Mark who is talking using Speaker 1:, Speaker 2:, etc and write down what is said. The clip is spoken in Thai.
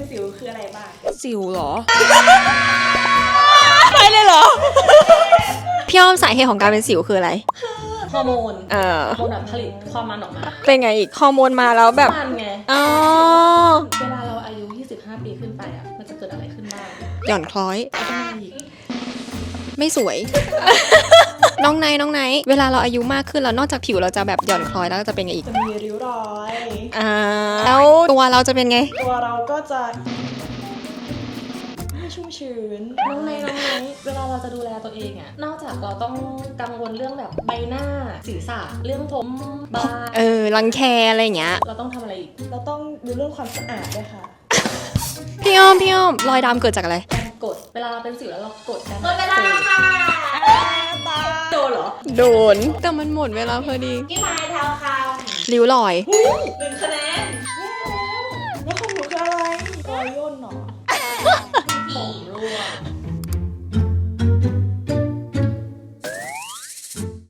Speaker 1: สิวคืออะไรบ้าง
Speaker 2: สิวเหรอ ไปเลยเหรอ พี่อ้อมสาเหตุของการเป็นสิวคืออะไร
Speaker 1: ฮอร์โมน
Speaker 2: ฮอ
Speaker 1: ร์โมนแบบผลิตความมันออกมา
Speaker 2: เป็นไงอีกฮอร์โมนมาแล้วแบบ
Speaker 1: มันไง
Speaker 2: อ๋อ
Speaker 1: เวลาเราอายุ25 ปีขึ้นไปอ่ะมันจะเกิดอะไรขึ้นบ้าง
Speaker 2: หย่อนคล้อย
Speaker 1: อีก
Speaker 2: ไม่สวย น้องไนเวลาเราอายุมากขึ้นแล้วนอกจากผิวเราจะแบบหย่อนคล้อยแล้วจะเป็นไงอีก
Speaker 1: จะมีริ้วรอย
Speaker 2: แล้วตัวเราจะเป็นไง
Speaker 1: ตัวเราก็จะไม่ชุ่มชื้นน้องไนเวลาเราจะดูแลตัวเองอ่ะนอกจากเราต้องกังวลเรื่องแบบใบหน้าศีรษะเรื่องผมบา
Speaker 2: รังแคอะไรอย่างเงี้ย
Speaker 1: เราต้องทำอะไรอีกเราต้องดูเรื่องความสะอาดด้วยค่ะ
Speaker 2: พี่อ้อมรอยดำเกิดจากอะไร
Speaker 1: กดเวลาเราเป็นสิวแล้วเรากดกัน
Speaker 3: หมดเวลาแล้วค่ะ
Speaker 1: โดนเหรอ
Speaker 2: โดนแต่มันหมดเวลาพอดี
Speaker 3: พี่ไม้เท้าคำ
Speaker 2: ริ้วรอย
Speaker 1: 1 คะแนนแล้วของหนูคืออะไรรอยย่นเหรอ